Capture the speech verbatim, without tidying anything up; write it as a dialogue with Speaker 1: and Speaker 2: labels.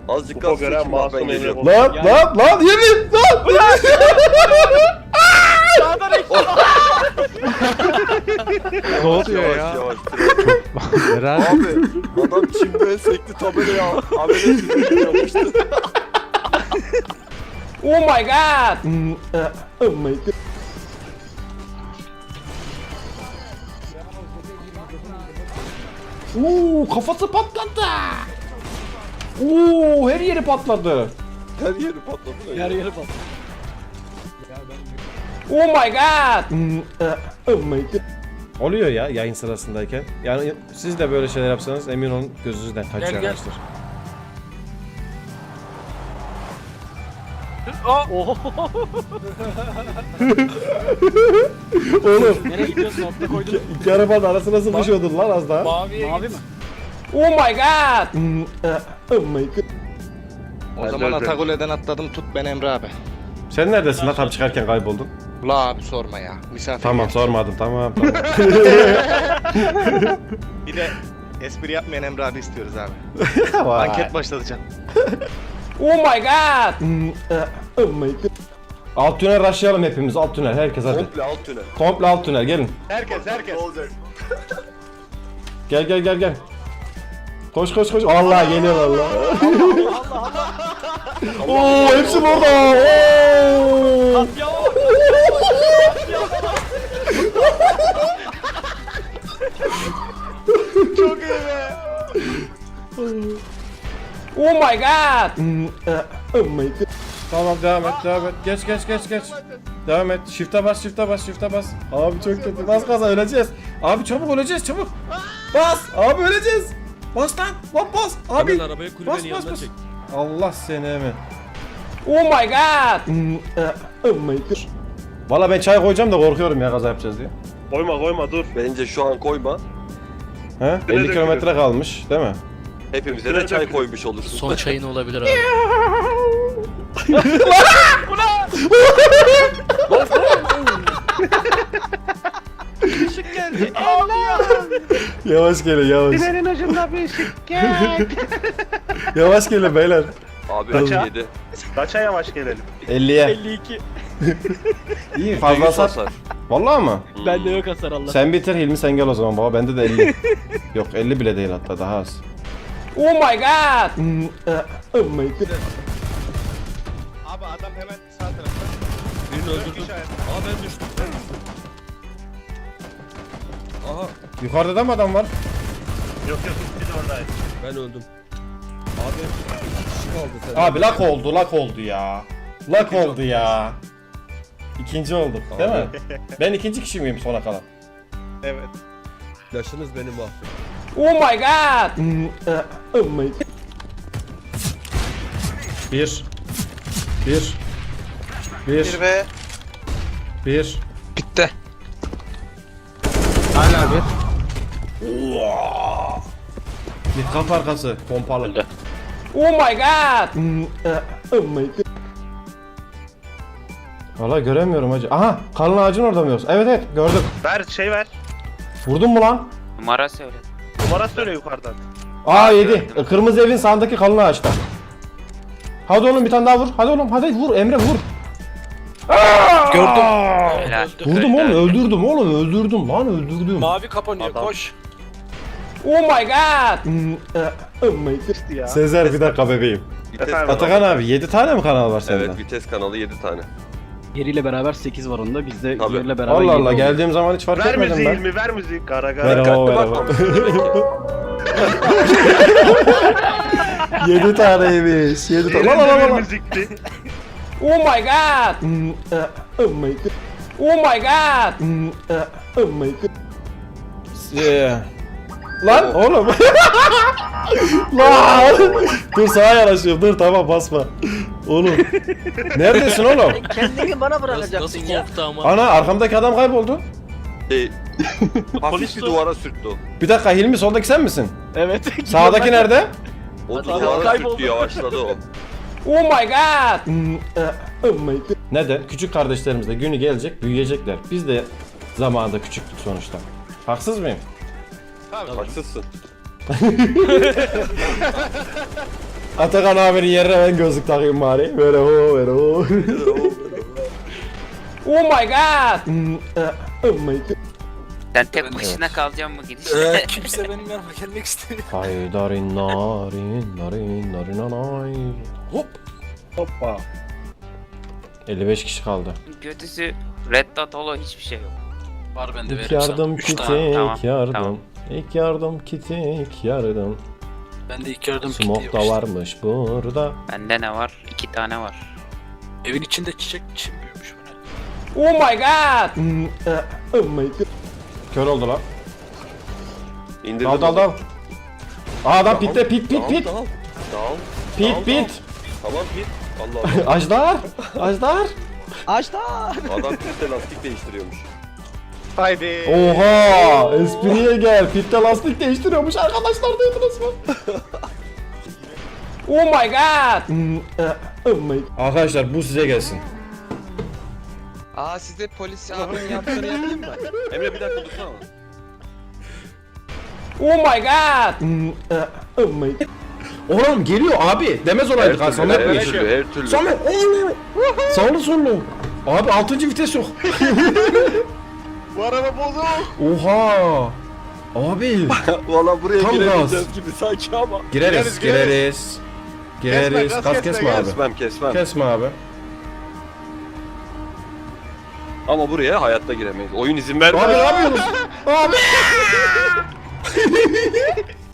Speaker 1: Azıcık
Speaker 2: Kupa
Speaker 1: gaz
Speaker 2: gören
Speaker 1: çekin bak ben
Speaker 2: masum
Speaker 1: geliyorum.
Speaker 2: Emre
Speaker 3: Lan lan lan yemin lan.
Speaker 4: Sağdan ekle.
Speaker 5: Ne oluyor
Speaker 1: Yavaş
Speaker 5: ya?
Speaker 1: yavaş.
Speaker 5: Eren
Speaker 1: Abi adam çimde sekti tabelayı al. Amele çizgi yapmıştı.
Speaker 3: Oh my god. Hmm, uh, oh my god. Oo, kafası patladı. Oo, her yeri patladı.
Speaker 1: Her yeri patladı. öyle.
Speaker 4: Yer yeri bak.
Speaker 3: Oh my god. Hmm, uh, oh my god. Oluyor ya yayın sırasındayken. Yani siz de böyle şeyler yapsanız emin olun gözünüzden kaçıyor
Speaker 4: Gel, gel.
Speaker 3: arkadaşlar.
Speaker 4: Oho.
Speaker 3: Oğlum
Speaker 4: Nereye gidiyorsun? Nokta koydun.
Speaker 3: iki arabanın arasına sıkışıyordun lan az daha.
Speaker 4: Maviye Mavi mi?
Speaker 3: Oh my god. Hmm, uh, oh my god.
Speaker 5: o zaman Atakule'den atladım, tut ben Emre abi.
Speaker 3: Sen neredesin lan tam çıkarken kayboldun?
Speaker 5: La abi sorma ya. Misafir
Speaker 3: Tamam
Speaker 5: geldi.
Speaker 3: sormadım tamam tamam.
Speaker 5: Bir de espri yapmayan Emre abi istiyoruz abi.
Speaker 3: Vay.
Speaker 5: Anket başlatacağım.
Speaker 3: Oh my god. Hmm, uh, oh my god. Alt tünel rushlayalım hepimiz alt tünel herkes hadi.
Speaker 1: Komple alt tünel.
Speaker 3: Komple alt tünel gelin.
Speaker 5: Herkes herkes.
Speaker 1: Ne olacak?
Speaker 3: Gel gel gel gel. Koş koş koş. Allah geliyor Allah. Oo hepsi burada. Oo.
Speaker 4: Ya.
Speaker 5: Çok iyi be.
Speaker 3: Oh my god. Hmm, uh, oh my god. Tamam devam et devam et. Geç geç geç geç. Devam et. Shift'e bas shift'e bas shift'e bas. Abi çok kötü. Bas gaza öleceğiz. Abi çabuk öleceğiz çabuk. Bas. Abi öleceğiz. Bas lan. Lan bas. Abi.
Speaker 6: Hemen arabayı kulübenin
Speaker 3: Bas bas
Speaker 6: yanına
Speaker 3: bas.
Speaker 6: çek.
Speaker 3: Allah seni mi? Oh my god. Hmm, uh, oh my god. Valla ben çay koyacağım da korkuyorum ya kaza yapacağız diye.
Speaker 2: Koyma koyma dur.
Speaker 1: Bence şu an koyma.
Speaker 3: He? elli
Speaker 2: dökülür.
Speaker 3: kilometre kalmış değil mi?
Speaker 1: Hepimize de çay koymuş olursun.
Speaker 6: Son çayın olabilir abi.
Speaker 4: Işık geldi.
Speaker 3: Yavaş gelin yavaş.
Speaker 2: Tünelin ucunda bir ışık gel.
Speaker 3: Yavaş gelin beyler.
Speaker 1: Abi
Speaker 2: Kaça?
Speaker 1: yedi.
Speaker 2: Kaça yavaş gelelim.
Speaker 3: elliye.
Speaker 4: elli iki.
Speaker 3: İyi fazla
Speaker 1: yüz
Speaker 3: sat.
Speaker 1: hasar.
Speaker 3: Vallahi mı?
Speaker 4: Bende yok hasar Allah.
Speaker 3: Sen bitir Hilmi sen gel o zaman baba. Bende de elli. Yok elli bile değil hatta daha az. Oh my god. Hmm, uh, oh my god.
Speaker 5: Abi adam hemen sağ tarafta.
Speaker 6: Birini öldürdüm. Aa ben düştüm. Aha
Speaker 3: Yukarıda da mı adam var?
Speaker 2: Yok yok biz oradayız.
Speaker 6: ben öldüm. Abi iki kişi kaldı sen.
Speaker 3: Abi lak oldu lak oldu ya. Lak oldu ya. İkinci olduk değil mi? Ben ikinci kişi miyim sona kalan?
Speaker 5: Evet.
Speaker 6: Yaşınız beni mahvetti.
Speaker 3: Oh my god. Hmm, uh, oh my god. Bir. Bir. Bir.
Speaker 5: Bir ve
Speaker 3: Bir.
Speaker 5: bitti.
Speaker 3: Hala bir. Bir kapı arkası pompalı. Oh my god. Hmm, uh, oh my god. Valla göremiyorum hacı. Aha kalın ağacın orada mı yoksa? Evet evet gördüm.
Speaker 2: Ver şey ver.
Speaker 3: Vurdun mu lan?
Speaker 7: Numara söyle.
Speaker 2: Numara söyle yukarıdan.
Speaker 3: Aa yedi. E, Kırmızı evin sağındaki kalın ağaçta. Hadi oğlum bir tane daha vur. Hadi oğlum hadi vur Emre vur.
Speaker 7: Gördüm. Helal.
Speaker 3: Vurdum
Speaker 7: Helal.
Speaker 3: oğlum öldürdüm oğlum öldürdüm lan öldürdüm.
Speaker 6: Mavi kapanıyor
Speaker 2: Adam.
Speaker 6: koş.
Speaker 3: Oh my god. Hmm, uh, oh my god.
Speaker 2: Ya.
Speaker 3: Sezer bir dakika bebeğim.
Speaker 1: Vites
Speaker 2: Efendim?
Speaker 1: kanalı.
Speaker 3: Atakan abi yedi tane mi kanal var sende?
Speaker 1: Evet vites kanalı yedi tane.
Speaker 4: Yeriyle beraber sekiz var onda. Bizde
Speaker 1: Tabii.
Speaker 4: yeriyle beraber
Speaker 3: Allah
Speaker 4: yedi
Speaker 3: Allah
Speaker 4: oldu.
Speaker 3: geldiğim zaman hiç fark
Speaker 2: Ver
Speaker 3: etmedim
Speaker 2: müziği
Speaker 3: ben.
Speaker 2: Hilmi ver müziği. Kara
Speaker 3: Ver
Speaker 2: kara.
Speaker 3: o ver o.
Speaker 1: Bakmamışsın demek ki.
Speaker 3: Yedi taneymiş. Yedi tane. Lan lan
Speaker 2: Yerinde
Speaker 3: lan
Speaker 2: bir
Speaker 3: lan.
Speaker 2: müzikti.
Speaker 3: Oh my god. Hmm, uh, oh my god. Oh my god. Hmm, uh, oh my god. Yeah. Lan oğlum. Lan. Dur sağa yanaşıyorum. Dur tamam basma. Oğlum. Neredesin oğlum?
Speaker 4: Kendini bana
Speaker 6: Nasıl,
Speaker 4: bırakacaksın
Speaker 6: nasıl
Speaker 4: ya.
Speaker 6: korktu ama.
Speaker 3: Ana arkamdaki adam kayboldu.
Speaker 1: Şey, hafif
Speaker 2: Polis
Speaker 1: bir
Speaker 2: dur.
Speaker 1: duvara sürttü o.
Speaker 3: Bir dakika Hilmi soldaki sen misin?
Speaker 4: Evet.
Speaker 3: Sağdaki nerede?
Speaker 1: O
Speaker 4: Hadi
Speaker 1: duvara
Speaker 4: kayboldu.
Speaker 1: sürttü yavaşladı o.
Speaker 3: Oh my god. Hmm, uh, oh my god. Neden? Küçük kardeşlerimiz de günü gelecek, büyüyecekler. Biz de zamanında küçüktük sonuçta. Haksız mıyım?
Speaker 1: Haksızsın.
Speaker 3: Atakan abinin yerine ben gözlük takayım bari. Böyle ho böyle ho. Oh my god. Hmm, eh, Oh my god.
Speaker 7: Sen tek başına kalacaksın mı gidişte?
Speaker 1: Ee, kimse benim yanıma gelmek istemiyor.
Speaker 3: Haydarin narin narin narin narin. Hop.
Speaker 2: Hoppa.
Speaker 3: elli beş kişi kaldı.
Speaker 7: Kötüsü Red Dot Holo hiçbir şey yok.
Speaker 4: Var bende
Speaker 3: İlk
Speaker 4: veririm sana.
Speaker 3: yardım
Speaker 4: Üç
Speaker 3: kiti,
Speaker 4: tane.
Speaker 7: Tamam,
Speaker 3: ilk yardım.
Speaker 7: tamam.
Speaker 3: İlk yardım kiti, ilk yardım.
Speaker 4: Bende ilk yardım kiti
Speaker 3: Smoke
Speaker 4: yok
Speaker 3: da
Speaker 4: işte.
Speaker 3: varmış burada.
Speaker 7: Bende ne var? İki tane var.
Speaker 4: Evin içinde çiçek çim büyümüş bu ne?
Speaker 3: Oh my god. Hmm, eh, Oh my god. Kör oldu lan.
Speaker 1: İndirdim.
Speaker 3: Dal dal dal. Aa adam pitte pit pit
Speaker 1: Dal,
Speaker 3: pit.
Speaker 1: Dal. Dal.
Speaker 3: Pit
Speaker 1: dal,
Speaker 3: pit.
Speaker 1: Tamam pit. Allah Allah.
Speaker 3: Ajdar. Ajdar.
Speaker 1: Adam pitte lastik değiştiriyormuş.
Speaker 2: Haydi.
Speaker 3: Oha. Espriye gel. Pitte lastik değiştiriyormuş arkadaşlar, duydunuz mu? Oh my god. Hmm, eh, Oh my. Arkadaşlar bu size gelsin.
Speaker 5: Aa size polis abinin yaptığını yapayım mı?
Speaker 1: Emre bir dakika dursana.
Speaker 3: Oh my god. Hmm, eh, Oh my. Oğlum geliyor abi. Demez olaydık ha. Samet
Speaker 1: her
Speaker 3: mi?
Speaker 1: türlü, her türlü.
Speaker 3: Samet. oğlum. Sağlı sollu. Abi altıncı vites yok.
Speaker 2: Bu araba bozuk.
Speaker 3: Oha. Abi.
Speaker 1: Valla buraya
Speaker 3: Tam
Speaker 1: giremeyeceğiz gibi sanki ama.
Speaker 3: Gireriz, gireriz. Gireriz.
Speaker 2: Kesme, gaz
Speaker 3: Gaz
Speaker 2: kesme,
Speaker 3: kesme
Speaker 2: gaz.
Speaker 3: abi.
Speaker 1: Kesmem kesmem.
Speaker 3: Kesme abi.
Speaker 1: Ama buraya hayatta giremeyiz. Oyun izin vermiyor.
Speaker 3: Abi ne yapıyorsunuz? Abi.